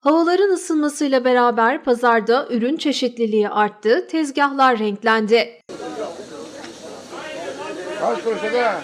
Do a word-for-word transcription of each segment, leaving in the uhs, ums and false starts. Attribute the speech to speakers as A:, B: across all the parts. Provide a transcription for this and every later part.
A: Havaların ısınmasıyla beraber pazarda ürün çeşitliliği arttı, tezgahlar renklendi.
B: Kaç kuruş ede?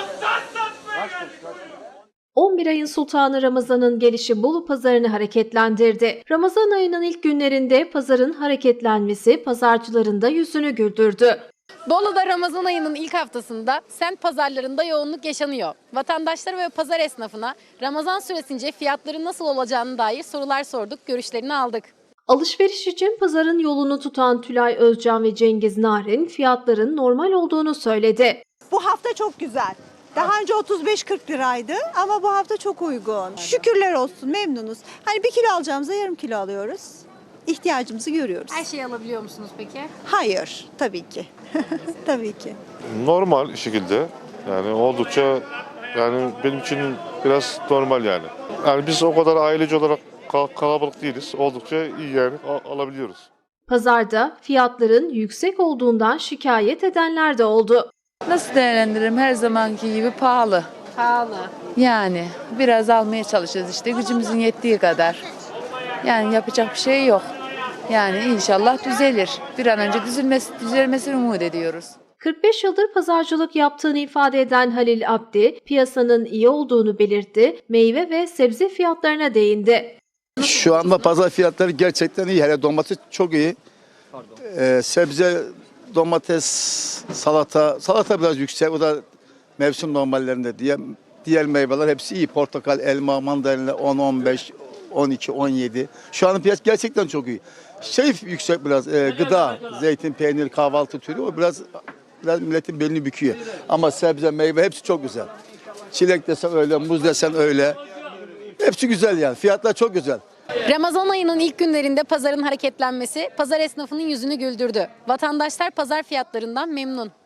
B: Kaç kuruş, kaç?
A: on bir ayın sultanı Ramazan'ın gelişi Bolu pazarını hareketlendirdi. Ramazan ayının ilk günlerinde pazarın hareketlenmesi pazarcıların da yüzünü güldürdü.
C: Bolu'da Ramazan ayının ilk haftasında semt pazarlarında yoğunluk yaşanıyor. Vatandaşlara ve pazar esnafına Ramazan süresince fiyatların nasıl olacağına dair sorular sorduk, görüşlerini aldık.
A: Alışveriş için pazarın yolunu tutan Tülay Özcan ve Cengiz Narin fiyatların normal olduğunu söyledi.
D: Bu hafta çok güzel. Daha önce otuz beş kırk liraydı ama bu hafta çok uygun. Şükürler olsun, memnunuz. Hani bir kilo alacağımıza yarım kilo alıyoruz. İhtiyacımızı görüyoruz.
C: Her şeyi alabiliyor musunuz peki?
D: Hayır, tabii ki. Tabii ki.
E: Normal şekilde, yani oldukça, yani benim için biraz normal yani. Yani biz o kadar aileci olarak kal- kalabalık değiliz. Oldukça iyi yani al- alabiliyoruz.
A: Pazarda fiyatların yüksek olduğundan şikayet edenler de oldu.
F: Nasıl değerlendiririm? Her zamanki gibi pahalı.
C: Pahalı.
F: Yani biraz almaya çalışıyoruz işte gücümüzün yettiği kadar. Yani yapacak bir şey yok. Yani inşallah düzelir. Bir an önce düzelmesi, düzelmesini umut ediyoruz.
A: kırk beş yıldır pazarcılık yaptığını ifade eden Halil Abdi, piyasanın iyi olduğunu belirtti, meyve ve sebze fiyatlarına değindi.
G: Şu anda pazar fiyatları gerçekten iyi. Hele domates çok iyi. Ee, sebze, domates, salata, salata biraz yüksek. O da mevsim normallerinde diye. Diğer meyveler hepsi iyi. Portakal, elma, mandalina on, on beş, on iki, on yedi. Şu an piyasa gerçekten çok iyi. Şey yüksek biraz, e, gıda, zeytin, peynir, kahvaltı türü o biraz biraz milletin belini büküyor. Ama sebze, meyve hepsi çok güzel. Çilek desen öyle, muz desen öyle. Hepsi güzel yani. Fiyatlar çok güzel.
C: Ramazan ayının ilk günlerinde pazarın hareketlenmesi pazar esnafının yüzünü güldürdü. Vatandaşlar pazar fiyatlarından memnun.